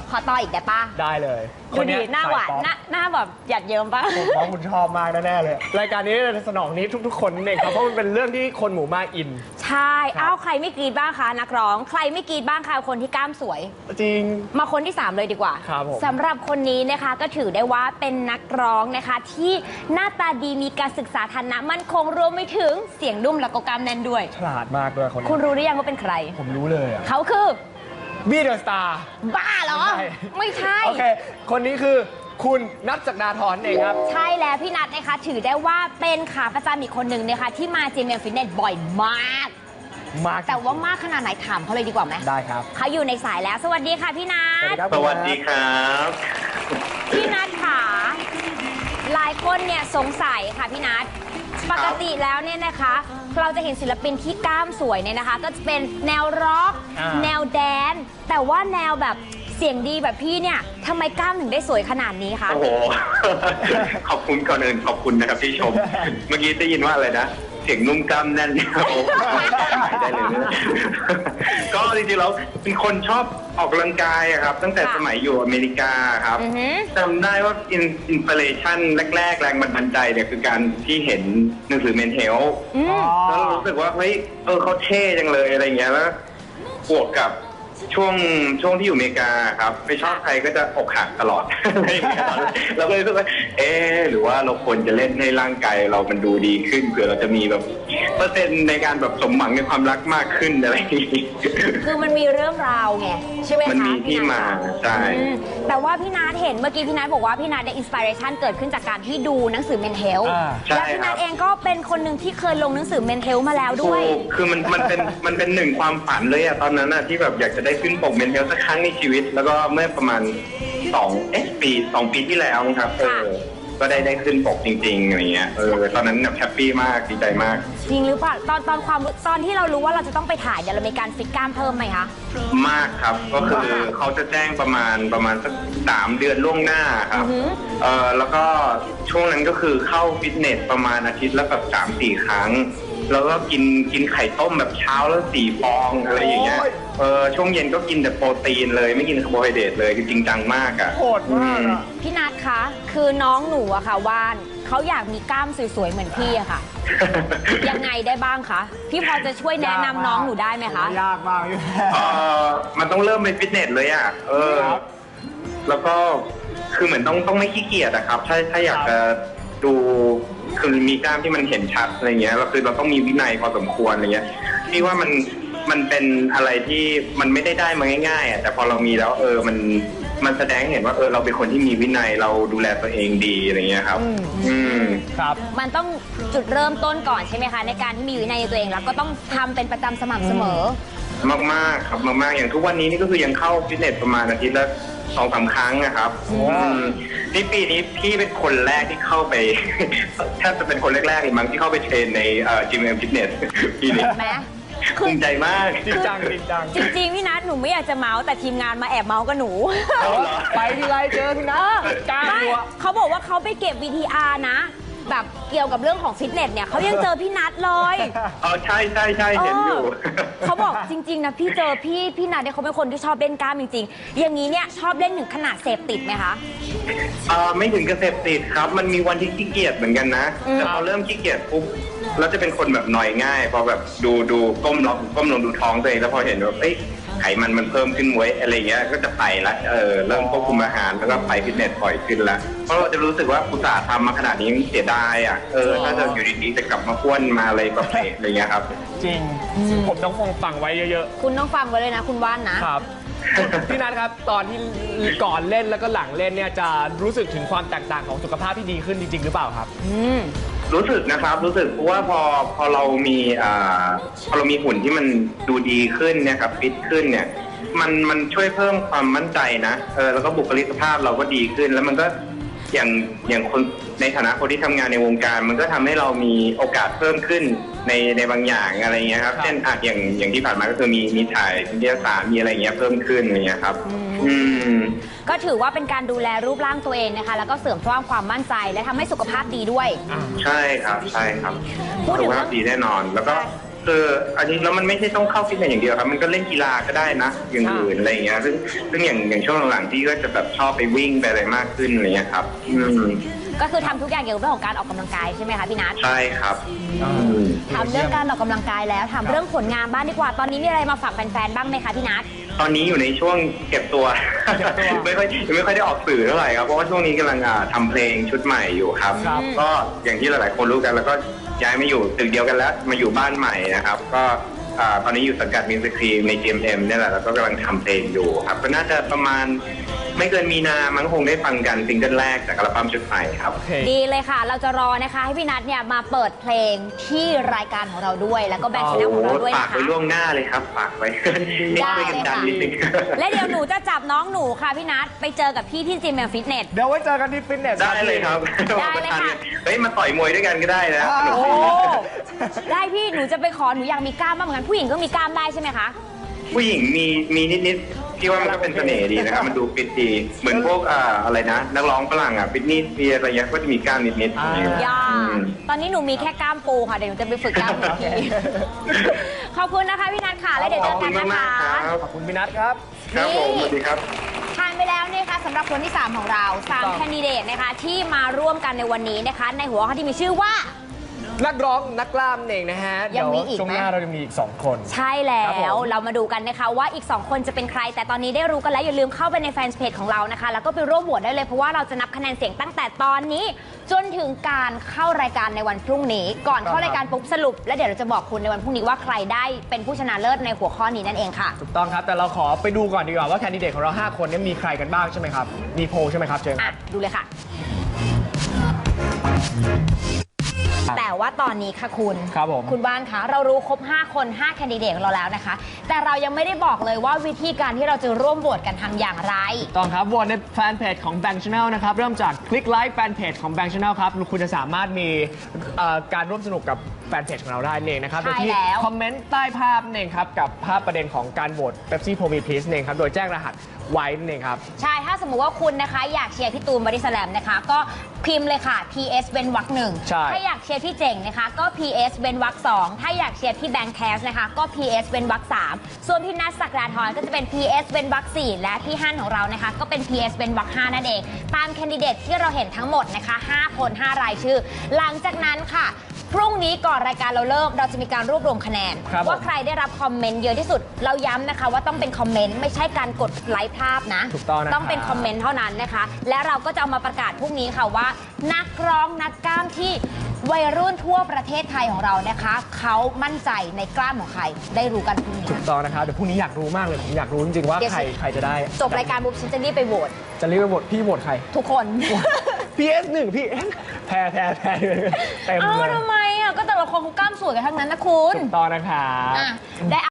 ขอต่ออีกได้ปะได้เลยดูดีหน้าหวานหน้าแบบหยัดเยิ้มปะผมว่าคุณชอบมากแน่ๆเลยรายการนี้สนองนี้ทุกๆคนเองครับเพราะมันเป็นเรื่องที่คนหมู่มากอินใช่อ้าวใครไม่กรี๊ดบ้างคะนักร้องใครไม่กรี๊ดบ้างคะคนที่กล้ามสวยจริงมาคนที่3เลยดีกว่าครับผมสำหรับคนนี้นะคะก็ถือได้ว่าเป็นนักร้องนะคะที่หน้าตาดีมีการศึกษาฐานะมั่นคงรวมไปถึงเสียงนุ่มและก็กล้ามแน่นด้วยฉลาดมากด้วยคนนี้คุณรู้หรือยังว่าเป็นใครผมรู้เลยอ่ะเขาคือบี้เดอะสตาร์บ้าเหรอไม่ใช่โอเคคนนี้คือคุณนัท ศักดาธรเองครับใช่แล้วพี่นัทนะคะถือได้ว่าเป็นขาประจำอีกคนหนึ่งนะคะที่มาจีเมลฟิตเนสบ่อยมากแต่ว่ามากขนาดไหนถามเขาเลยดีกว่าไหมได้ครับเขาอยู่ในสายแล้วสวัสดีค่ะพี่นัทสวัสดีครับพี่นัทค่ะหลายคนเนี่ยสงสัยค่ะพี่นัทปกติแล้วเนี่ยนะคะเราจะเห็นศิลปินที่กล้ามสวยเนี่ยนะคะก็จะเป็นแนวร็อกแนวแดนแต่ว่าแนวแบบเสียงดีแบบพี่เนี่ยทำไมกล้ามถึงได้สวยขนาดนี้คะโอ้โห ขอบคุณก่อนอื่นขอบคุณนะครับที่ชม เมื่อกี้ได้ยินว่าอะไรนะเสียงนุ่มกล้ามแน่นโอ้ได้เลยนะก็จริงๆแล้วเป็นคนชอบออกกำลังกายครับตั้งแต่สมัยอยู่อเมริกาครับจำได้ว่าอินสปิเรชันแรกๆแรงบันดาลใจเนี่ยคือการที่เห็นหนังสือเมนเทลแล้วรู้สึกว่าเฮ้ยเขาเท่จังเลยอะไรเงี้ยแล้วบวกกับช่วงที่อยู่อเมริกาครับไม่ชอบใครก็จะอกหักตลอดเราก็เลยรู้สึกว่าหรือว่าเราควรจะเล่นให้ร่างกายเรามันดูดีขึ้นเผื่อเราจะมีแบบเปอร์เซ็นต์ในการแบบสมหวังในความรักมากขึ้นอะไรอย่างนี้คือมันมีเรื่องราวไงใช่ไหมคะมันมีที่มาใช่แต่ว่าพี่นัทเห็นเมื่อกี้พี่นัทบอกว่าพี่นัทได้อินสปิเรชันเกิดขึ้นจากการที่ดูหนังสือเมนเทลและพี่นัทเองก็เป็นคนหนึ่งที่เคยลงหนังสือเมนเทลมาแล้วด้วยคือมันเป็นหนึ่งความฝันเลยอะตอนนั้นอะที่แบบอยากจะได้ขึ้นปกเมนเทลสักครั้งในชีวิตแล้วก็เมื่อประมาณ2 ปีที่แล้วครับก็ได้ขึ้นปกจริงๆอะไรเงี้ยตอนนั้นแบบแฮปปี้มากดีใจมากจริงหรือเปล่าตอนที่เรารู้ว่าเราจะต้องไปถ่ายเดี๋ยวเรามีการฟิตกล้ามเพิ่มไหมคะมากครับก็คือเขาจะแจ้งประมาณสัก3 เดือนล่วงหน้าครับแล้วก็ช่วงนั้นก็คือเข้าฟิตเนสประมาณอาทิตย์ละแบบ3-4 ครั้งแล้วก็กินไข่ต้มแบบเช้าแล้ว4 ฟองอะไรอย่างเงี้ยช่วงเย็นก็กินแต่โปรตีนเลยไม่กินคาร์โบไฮเดรตเลยจริงจังมากอ่ะโหดมากพี่นัทคะคือน้องหนูอะค่ะว่านเขาอยากมีกล้ามสวยๆเหมือนพี่อะค่ะยังไงได้บ้างคะพี่พอจะช่วยแนะนำน้องหนูได้ไหมคะยากมากอยู่มันต้องเริ่มเป็นฟิตเนสเลยอ่ะแล้วก็คือเหมือนต้องไม่ขี้เกียจอะครับถ้าอยากจะดูคือมีกล้ามที่มันเห็นชัดอะไรเงี้ยเราคือเราต้องมีวินัยพอสมควรอะไรเงี้ยพี่ว่ามันเป็นอะไรที่มันไม่ได้มาง่ายๆอ่ะแต่พอเรามีแล้วมันแสดงให้เห็นว่าเราเป็นคนที่มีวินัยเราดูแลตัวเองดีอะไรเงี้ยครับครับมันต้องจุดเริ่มต้นก่อนใช่ไหมคะในการที่มีวินัยในตัวเองแล้วก็ต้องทำเป็นประจำสม่ำเสมอมากๆครับมากๆอย่างทุกวันนี้นี่ก็คือยังเข้าฟิตเนสประมาณอาทิตย์ละ2-3 ครั้งนะครับนี่ปีนี้พี่เป็นคนแรกที่เข้าไปแทบจะเป็นคนแรกๆเลยมั้งที่เข้าไปเทรนในจิมเอ็มฟิตเนสปีนี้ภูมิใจมากจริงจังจริงพี่นัทหนูไม่อยากจะเมาส์แต่ทีมงานมาแอบเมาส์กับหนูไปทีไรเจอพี่นัทกล้าหัวเขาบอกว่าเขาไปเก็บ VTR นะแบบเกี่ยวกับเรื่องของฟิตเนสเนี่ยเขายังเจอพี่นัทเลยใช่เห็นอยู่เขาบอกจริงๆนะพี่เจอพี่นัทเนี่ยเขาเป็นคนที่ชอบเล่นกล้ามจริงๆอย่างนี้เนี่ยชอบเล่นถึงขนาดเสพติดไหมคะไม่ถึงกับเสพติดครับมันมีวันที่ขี้เกียจเหมือนกันนะแต่พอเริ่มขี้เกียจปุ๊บแล้วจะเป็นคนแบบหน่อยง่ายพอแบบดูก้มลงดูท้องตัวเองแล้วพอเห็นว่าไขมันเพิ่มขึ้นไว้อะไรเงี้ยก็จะไปละเริ่มควบคุมอาหารแล้วก็ไปฟิตเนสบ่อยขึ้นละเพราะเราจะรู้สึกว่าอุตส่าห์ทำมาขนาดนี้เสียดายอ่ะถ้าจะอยู่ดีๆจะกลับมาอ้วนมาอะไรก็เพลอะไรเงี้ยครับจริงผมต้องฟังไว้เยอะๆคุณต้องฟังไว้เลยนะคุณว่านนะครับพี่นัทครับตอนที่ก่อนเล่นแล้วก็หลังเล่นเนี่ยจะรู้สึกถึงความแตกต่างของสุขภาพที่ดีขึ้นจริงๆหรือเปล่าครับรู้สึกนะครับรู้สึกเพราะว่าพอเรามีหุ่นที่มันดูดีขึ้นเนี่ยครับฟิตขึ้นเนี่ยมันช่วยเพิ่มความมั่นใจนะแล้วก็บุคลิกภาพเราก็ดีขึ้นแล้วมันก็อย่างคนในฐานะคนที่ทำงานในวงการมันก็ทำให้เรามีโอกาสเพิ่มขึ้นในบางอย่างอะไรเงี้ยครับเช่นอย่างที่ผ่านมาก็คือมีถ่ายวิทยาศาสตร์มีอะไรเงี้ยเพิ่มขึ้นอะไรเงี้ยครับก็ถือว่าเป็นการดูแลรูปร่างตัวเองนะคะแล้วก็เสริมสร้างความมั่นใจและทำให้สุขภาพดีด้วยใช่ครับพูดถึงสุขภาพดีแน่นอนแล้วก็คืออันนี้แล้วมันไม่ใช่ต้องเข้าฟิตเนสอย่างเดียวครับมันก็เล่นกีฬาก็ได้นะอย่างอื่นอะไรอย่างเงี้ยซึ่งอย่างช่วงหลังๆที่ก็จะแบบชอบไปวิ่งไปอะไรมากขึ้นอะไรเงี้ยครับก็คือทำทุกอย่างเกี่ยวกับเรื่องของการออกกำลังกายใช่ไหมคะพี่นัทใช่ครับทำเรื่องการออกกำลังกายแล้วทำเรื่องผลงานบ้างดีกว่าตอนนี้มีอะไรมาฝากแฟนๆบ้างไหมคะพี่นัทตอนนี้อยู่ในช่วงเก็บตัว ไม่ค่อยได้ออกสื่อเท่าไหร่ครับเพราะว่าช่วงนี้กำลังทำเพลงชุดใหม่อยู่ครับก็อย่างที่หลายๆคนรู้กันแล้วก็ย้ายมาอยู่ตึกเดียวกันแล้วมาอยู่บ้านใหม่นะครับก็ตอนนี้อยู่สังกัดมิวสิครีมใน GMM เนี่ยแหละแล้วก็กำลังทำเพลงอยู่ครับก็น่าจะประมาณไม่เกินมีนามั้งคงได้ฟังกันซิงเกิลแรกจากอัลบั้มชุดใหม่ครับดีเลยค่ะเราจะรอนะคะให้พี่นัทเนี่ยมาเปิดเพลงที่รายการของเราด้วยแล้วก็แบงค์ชาแนลของเราด้วยนะคะฝากไว้ล่วงหน้าเลยครับฝากไว้ได้เลยค่ะและเดี๋ยวหนูจะจับน้องหนูค่ะพี่นัทไปเจอกับพี่ที่จิมแมนฟิตเนสเดี๋ยวไว้เจอกันที่ฟิตเนสได้เลยครับได้เลยค่ะเฮ้ยมาต่อยมวยด้วยกันก็ได้นะโอ้ได้พี่หนูจะไปขอหนูอยากมีกล้ามบ้างเหมือนกันผู้หญิงก็มีกล้ามได้ใช่ไหมคะผู้หญิงมีนิดๆพี่ว่ามันก็เป็นเสน่ห์ดีนะครับมันดูฟิตดีเหมือนพวกอะไรนะนักร้องฝรั่งฟิตนี่มีอะไรเงี้ยก็จะมีกล้ามนิดตอนนี้หนูมีแค่กล้ามปูค่ะเดี๋ยวหนูจะไปฝึกกล้ามอีกทีขอบคุณนะคะพี่นัทค่ะแล้วเดี๋ยวเจอกันนะคะขอบคุณพี่นัทครับครับผมสวัสดีครับทานไปแล้วนะคะสำหรับคนที่3ของเรา3แคนดิเดตนะคะที่มาร่วมกันในวันนี้นะคะในหัวข้อที่มีชื่อว่านักร้องนักกล้ามเองนะฮะยังมีอีกช่วงหน้าเราจะมีอีก2คนใช่แล้วเรามาดูกันนะคะว่าอีก2คนจะเป็นใครแต่ตอนนี้ได้รู้กันแล้วอย่าลืมเข้าไปในแฟนเพจของเรานะคะแล้วก็ไปร่วมโหวตได้เลยเพราะว่าเราจะนับคะแนนเสียงตั้งแต่ตอนนี้จนถึงการเข้ารายการในวันพรุ่งนี้ก่อนเข้ารายการปุ๊บสรุปแล้วเดี๋ยวเราจะบอกคุณในวันพรุ่งนี้ว่าใครได้เป็นผู้ชนะเลิศในหัวข้อนี้นั่นเองค่ะถูกต้องครับแต่เราขอไปดูก่อนดีกว่าว่าแคนดิเดตของเรา5คนนี้มีใครกันบ้างใช่ไหมครับมีโพลใช่ไหมครับเชิญครับดูเลยค่ะแต่ว่าตอนนี้ค่ะคุณบ้านคะเรารู้ครบ5คน5แคนดิเดตของเราแล้วนะคะแต่เรายังไม่ได้บอกเลยว่าวิธีการที่เราจะร่วมโหวตกันทำอย่างไรต้องครับโหวตในแฟนเพจของ Bank Channel นะครับเริ่มจากคลิกไลค์แฟนเพจของ Bank Channel ครับคุณจะสามารถมีการร่วมสนุกกับแฟนเพจของเราได้เองนะครับโดยที่คอมเมนต์ใต้ภาพเองครับกับภาพประเด็นของการโหวต Pepsi Pro Me Please เองครับโดยแจ้งรหัสไว้นั่นเองครับใช่ถ้าสมมุติว่าคุณนะคะอยากเชียร์พี่ตูนบอดี้สแลมนะคะก็พิมพ์เลยค่ะ PS เว้นวรรค1ถ้าอยากเชียร์พี่เจ๋งนะคะก็ PS เว้นวรรค2ถ้าอยากเชียร์พี่แบงค์แคสนะคะก็ PS เว้นวรรค3ส่วนพี่นัทศักดาธรก็จะเป็น PS เว้นวรรค4และพี่ฮั่นของเรานะคะก็เป็น PS เว้นวรรค5นั่นเองตามแคนดิเดตที่เราเห็นทั้งหมดนะคะ5คน5รายชื่อหลังจากนั้นค่ะพรุ่งนี้ก่อนรายการเราเริ่มเราจะมีการรวบรวมคะแนนว่าใครได้รับคอมเมนต์เยอะที่สุดเราย้ำนะคะว่าต้องเป็นคอมเมนต์ไม่ใช่การกดไลค์ภาพนะต้องเป็นคอมเมนต์เท่านั้นนะคะและเราก็จะเอามาประกาศพรุ่งนี้ค่ะว่านักร้องนักกล้ามที่วัยรุ่นทั่วประเทศไทยของเรานะคะเขามั่นใจในกล้ามของใครได้รู้กันพรุ่งนี้ถูกต้องนะคะเดี๋ยวพรุ่งนี้อยากรู้มากเลยผมอยากรู้จริงๆว่าใครจะได้จบรายการปุ๊บฉันจะรีบไปโหวตพี่โหวตใครทุกคน PS1 พี่แพ้เต็มเลยทำไมอ่ะก็แต่ละคนเขากล้ามสวยกันทั้งนั้นนะคุณถูกต้องนะคะได้